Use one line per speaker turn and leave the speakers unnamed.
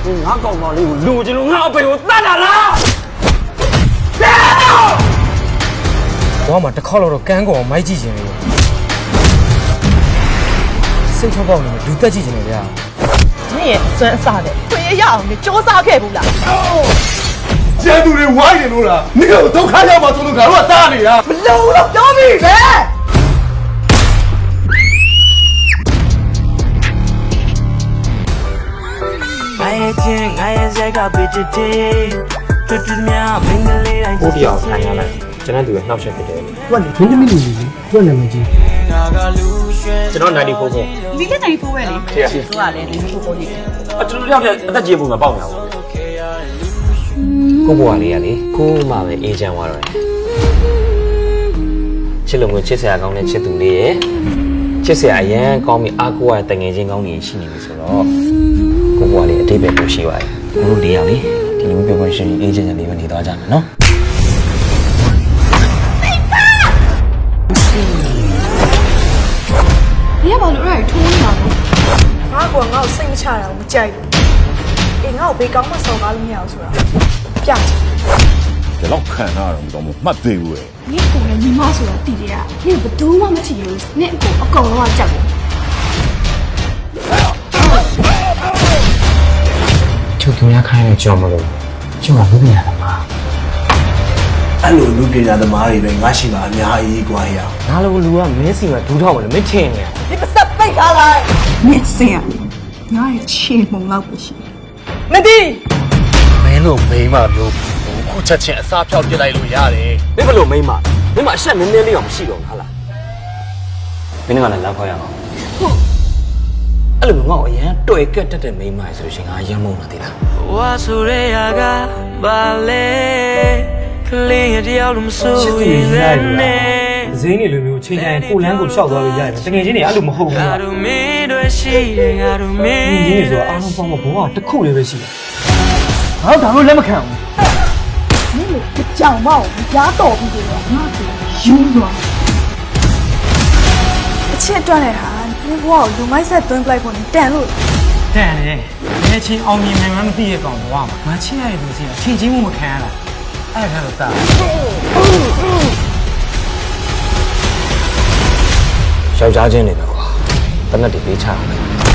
你哪搞嘛哩？路就路，我被我打打了。
我嘛这考了都干过买几斤的，生产包里面都得几斤的呀？
你也算啥的？会也要你交啥开不啦？
监督的歪的路了，你有都看见吗？从头看我打你啊！
不漏了，要命嘞！
我比较看下来，真的对脑血不对。
我你真的没理你，我那么急。
这张哪里婆婆？
你在哪里破位哩？是说啊嘞，你是破位哩。
啊，这两天那节目嘛报名了。
ကိုဘွားလေးကလေကိုမှပဲအေးချမ်းသွားတော့တယ်ချစ်လို့မျိုးချစ်စရာကောင်းတဲ့ချစ်သူလေးရဲ့ချစ်စရာအရန်ကောင်းပြီးအားကိုးရတဲ့ငယ်ချင်းကောင်းကြီးရှိနေပြီဆိုတော့ကိုဘွားလေးအတိတ်ပဲပို့ရှိပါတယ်ကိုတို့လေးယောက်လေဒီလိုမျိုးပြောရှင်အေးချမ်းချမ်းလေးပဲနေသွားကြမယ်နော်
你要把路让人拖你啊！
ငါ့စိတ်မချတာကိုမကြိုက်ဘူးအေးငါ့ကိုဘေးကောင်းမစော်ကားလို့မရဘူးဆိုတာပြချင်
这老看那种都没对不哎。
你过来你妈说的弟弟啊，你不都妈妈提了？你我搞了话讲。
就给人家看那叫么了就往路边了嘛
အဲ့လိုလူပညာသမားတွေပဲငါရှိတာအများကြီးကွာရ
哪路路啊？没事嘛，头套嘛，没听呢。
你不是背下来？
你这样，我也切蒙了不行。
没的。
没路没嘛路，ခုချက်ချင်းအစားဖြောက်ပြလိုက်လို့ရတယ်
你不路没嘛？没嘛，现在明天你要不洗了，好了。
မင်းကလည်းလောက်ခေါ်ရအောင်အဲ့လိုမျိုးငါ့ကိုအရင်တွေ့ကက်တက်တဲ့မိန်းမဆိုလို့ရှိရင်ငါရမ်းမုန်းလာသေးလားဝါဆိုရဲယာကဘာလဲကလေးရတယောက်လုံးမဆိုးရင်လည်း
ဈေးနေလိုမျိုးချိန်တိုင်းကိုလန်းကိုလျှောက်သွားလို့ရတယ်တကယ်ချင်းနေအဲ့လိုမဟုတ်ဘူးကွာငါတို့မင်းတို့ရှိတယ်ငါတို့မင်းဒီဆိုအားလုံးပေါင်းတော့ဘဝတစ်ခုလေးပဲရှိတယ်ငါတို့ဒါလို့လက်မခံဘူး
你不讲嘛，我们家倒闭的了，那就有了。
အချစ်အတွက်နဲ့ဟာဒီဘဝကိုလူမိုက်ဆက်သွင်းပလိုက်ဖို့တန်လို့
တန်တယ်ငယ်ချင်းအောင်မြင်မှန်းမသိရကောင်ဘဝမှာငါချစ်ရတဲ့လူစီကချိန်ချင်းမှုမခံရတာအဲ့ဒါတော့တာ
ယောက်ျားချင်းတွေပဲကွာတနက်တွေပေးချအောင်